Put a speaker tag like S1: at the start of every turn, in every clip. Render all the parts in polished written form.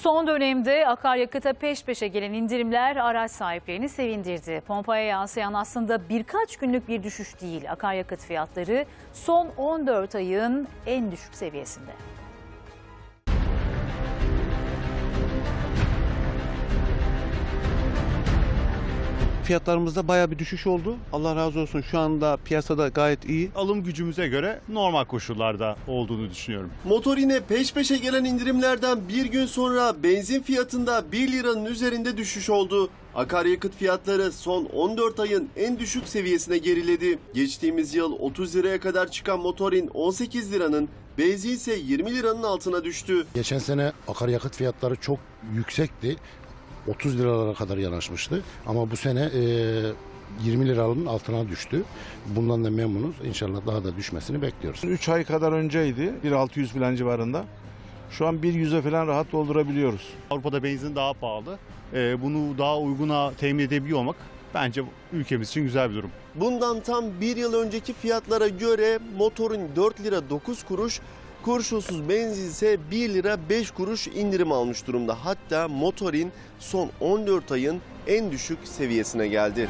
S1: Son dönemde akaryakıta peş peşe gelen indirimler araç sahiplerini sevindirdi. Pompaya yansıyan aslında birkaç günlük bir düşüş değil. Akaryakıt fiyatları son 14 ayın en düşük seviyesinde.
S2: Fiyatlarımızda bayağı bir düşüş oldu. Allah razı olsun, şu anda piyasada gayet iyi.
S3: Alım gücümüze göre normal koşullarda olduğunu düşünüyorum.
S4: Motorine peş peşe gelen indirimlerden bir gün sonra benzin fiyatında 1 liranın üzerinde düşüş oldu. Akaryakıt fiyatları son 14 ayın en düşük seviyesine geriledi. Geçtiğimiz yıl 30 liraya kadar çıkan motorin 18 liranın, benzin ise 20 liranın altına düştü.
S5: Geçen sene akaryakıt fiyatları çok yüksekti. 30 liralara kadar yanaşmıştı. Ama bu sene 20 liranın altına düştü. Bundan da memnunuz. İnşallah daha da düşmesini bekliyoruz.
S6: 3 ay kadar önceydi. 1.600 falan civarında. Şu an 1.100'e falan rahat doldurabiliyoruz.
S3: Avrupa'da benzin daha pahalı. Bunu daha uyguna temin edebiliyor olmak bence ülkemiz için güzel bir durum.
S4: Bundan tam bir yıl önceki fiyatlara göre motorun 4 lira 9 kuruş, kurşunsuz benzin ise 1 lira 5 kuruş indirim almış durumda. Hatta motorin son 14 ayın en düşük seviyesine geldi.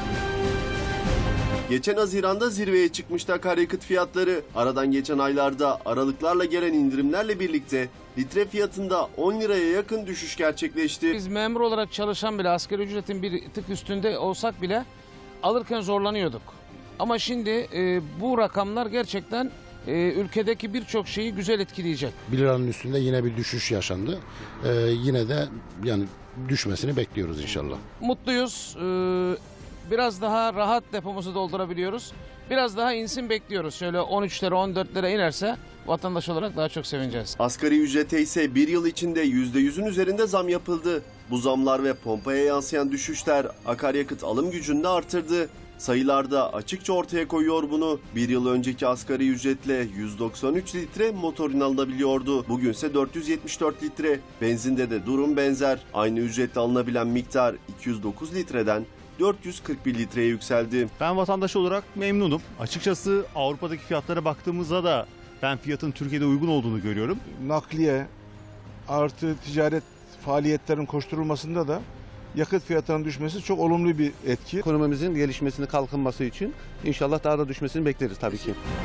S4: Geçen Haziran'da zirveye çıkmıştı akaryakıt fiyatları. Aradan geçen aylarda aralıklarla gelen indirimlerle birlikte litre fiyatında 10 liraya yakın düşüş gerçekleşti.
S7: Biz memur olarak çalışan bile asgari ücretin bir tık üstünde olsak bile alırken zorlanıyorduk. Ama şimdi bu rakamlar gerçekten ülkedeki birçok şeyi güzel etkileyecek.
S5: 1 liranın üstünde yine bir düşüş yaşandı. Yine de yani düşmesini bekliyoruz inşallah.
S7: Mutluyuz. Biraz daha rahat depomuzu doldurabiliyoruz. Biraz daha insin bekliyoruz. Şöyle 13'lere 14'lere inerse vatandaş olarak daha çok sevineceğiz.
S4: Asgari ücrete ise bir yıl içinde %100'ün üzerinde zam yapıldı. Bu zamlar ve pompaya yansıyan düşüşler akaryakıt alım gücünü de artırdı. Sayılarda açıkça ortaya koyuyor bunu. Bir yıl önceki asgari ücretle 193 litre motorin alınabiliyordu. Bugünse 474 litre. Benzinde de durum benzer. Aynı ücretle alınabilen miktar 209 litreden 441 litreye yükseldi.
S3: Ben vatandaş olarak memnunum. Açıkçası Avrupa'daki fiyatlara baktığımızda da ben fiyatın Türkiye'de uygun olduğunu görüyorum.
S6: Nakliye artı ticaret faaliyetlerin koşturulmasında da yakıt fiyatlarının düşmesi çok olumlu bir etki.
S2: Ekonomimizin gelişmesini, kalkınması için inşallah daha da düşmesini bekleriz tabii ki.